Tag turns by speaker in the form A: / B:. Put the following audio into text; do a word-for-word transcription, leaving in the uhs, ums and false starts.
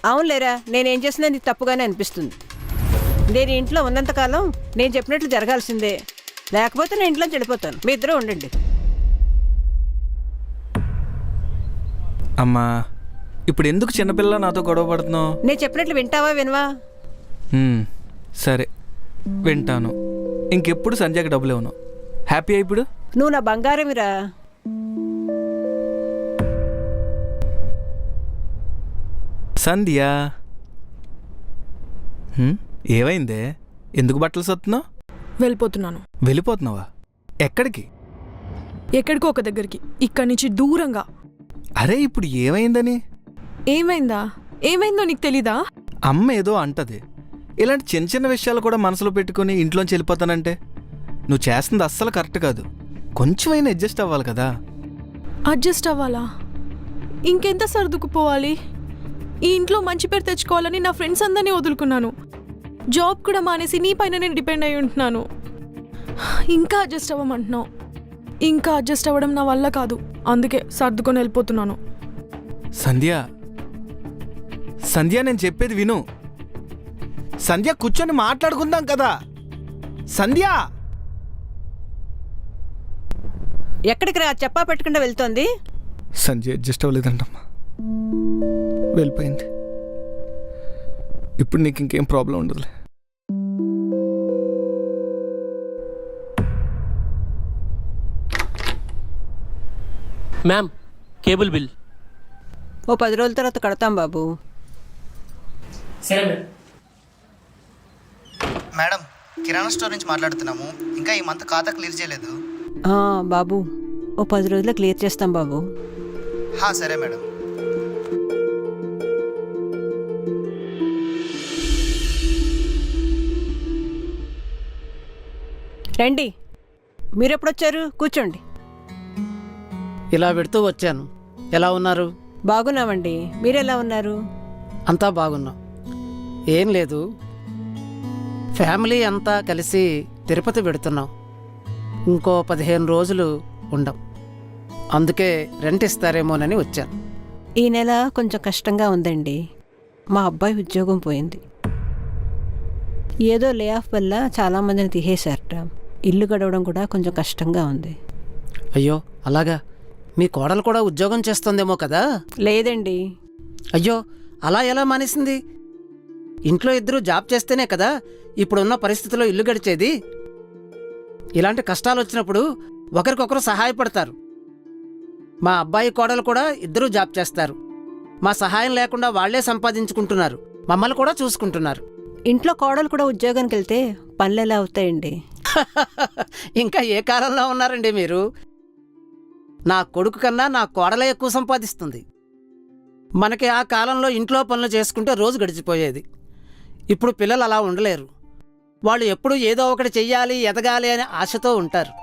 A: అవునులేరా, నేనేం చేసినా నీకు తప్పుగానే అనిపిస్తుంది. నేను ఇంట్లో ఉన్నంతకాలం నేను చెప్పినట్లు జరగాల్సిందే, లేకపోతే నేను ఇంట్లో చెడిపోతాను. మీ ఇద్దరూ ఉండండి.
B: అమ్మా, ఇప్పుడు ఎందుకు చిన్నపిల్ల నాతో గొడవ పడుతున్నావు?
A: నేను చెప్పినట్లు వింటావా వినవా?
B: సరే వింటాను. ఇంకెప్పుడు సంధ్యకి డబ్బులు ఇవ్వను. హ్యాపీ ఇప్పుడు?
A: నువ్వు నా బంగారమిరా.
B: సంధ్య, ఏమైందే? ఎందుకు బట్టలు సత్తున్నావు?
C: వెళ్ళిపోతున్నాను.
B: వెళ్ళిపోతున్నావా? ఎక్కడికి?
C: ఎక్కడికో ఒక దగ్గరికి, ఇక్కడి నుంచి దూరంగా.
B: అరే ఇప్పుడు ఏమైందని?
C: ఏమైందా? ఏమైందో నీకు తెలీదా?
B: అమ్మ ఏదో అంటది. ఇలాంటి చిన్న చిన్న విషయాలు కూడా మనసులో పెట్టుకుని ఇంట్లోంచి వెళ్ళిపోతానంటే నువ్వు చేస్తుంది అస్సలు కరెక్ట్ కాదు. కొంచెమైనా అడ్జస్ట్ అవ్వాలి కదా.
C: అడ్జస్ట్ అవ్వాలా? ఇంకెంత సర్దుకుపోవాలి? ఈ ఇంట్లో మంచి పేరు తెచ్చుకోవాలని నా ఫ్రెండ్స్ అందరినీ వదులుకున్నాను. జాబ్ కూడా మానేసి నీ పైన నేను డిపెండ్ అయి ఉంటున్నాను. ఇంకా అడ్జస్ట్ అవ్వమంటున్నావు. ఇంకా అడ్జస్ట్ అవ్వడం నా వల్ల కాదు. అందుకే సర్దుకొని వెళ్ళిపోతున్నాను.
B: సంధ్య, సంధ్య నేను చెప్పేది విను. సంధ్య, కూర్చొని మాట్లాడుకుందాం కదా. సంధ్య,
A: ఎక్కడికి రా? చెప్పా పెట్టకుండా వెళ్తోంది.
B: సంధ్య అడ్జస్ట్ అవ్వలేదంటమ్మా, వెళ్ళిపోయింది. ఇప్పుడు నీకు ఇంకేం ప్రాబ్లం ఉండదులే.
D: Ma'am, cable bill.
A: ఓ పది రోజుల తర్వాత కడతాం బాబు.
D: సరే మ్యామ్.
E: మేడం, కిరాణా స్టోర్ నుంచి మాట్లాడుతున్నాము. ఇంకా ఈ మంత్ ఖాతా క్లియర్ చేయలేదు.
A: ఆ, బాబు ఓ పది రోజుల్లో క్లియర్ చేస్తాం బాబు.
E: హా, సరే మేడం.
A: రండి, మీరెప్పుడొచ్చారు? కూర్చోండి.
F: ఇలా పెడుతూ వచ్చాను. ఎలా ఉన్నారు?
A: బాగున్నామండి. మీరెలా ఉన్నారు?
F: అంతా బాగున్నాం. ఏం లేదు, ఫ్యామిలీ అంతా కలిసి తిరుపతి పెడుతున్నాం. ఇంకో పదిహేను రోజులు ఉండం. అందుకే రెంట్ ఇస్తారేమోనని వచ్చాను.
A: ఈ నెల కొంచెం కష్టంగా ఉందండి. మా అబ్బాయి ఉద్యోగం పోయింది. ఏదో లే ఆఫ్ వల్ల చాలామందిని తీసేశారట. ఇల్లు గడవడం కూడా కొంచెం కష్టంగా ఉంది.
F: అయ్యో అలాగా? మీ కోడలు కూడా ఉద్యోగం చేస్తుందేమో కదా?
A: లేదండి.
F: అయ్యో, అలా ఎలా మానేసింది? ఇంట్లో ఇద్దరు జాబ్ చేస్తేనే కదా ఇప్పుడున్న పరిస్థితుల్లో ఇల్లు గడిచేది. ఇలాంటి కష్టాలు వచ్చినప్పుడు ఒకరికొకరు సహాయపడతారు. మా అబ్బాయి కోడలు కూడా ఇద్దరూ జాబ్ చేస్తారు. మా సహాయం లేకుండా వాళ్లే సంపాదించుకుంటున్నారు. మమ్మల్ని కూడా చూసుకుంటున్నారు.
A: ఇంట్లో కోడలు కూడా ఉద్యోగానికి వెళ్తే పనులు ఎలా అవుతాయండి?
F: ఇంకా ఏ కాలంలో ఉన్నారండి మీరు? నా కొడుకు కన్నా నా కోడలే ఎక్కువ సంపాదిస్తుంది. మనకి ఆ కాలంలో ఇంట్లో పనులు చేసుకుంటే రోజు గడిచిపోయేది. ఇప్పుడు పిల్లలు అలా ఉండలేరు. వాళ్ళు ఎప్పుడూ ఏదో ఒకటి చెయ్యాలి, ఎదగాలి అనే ఆశతో ఉంటారు.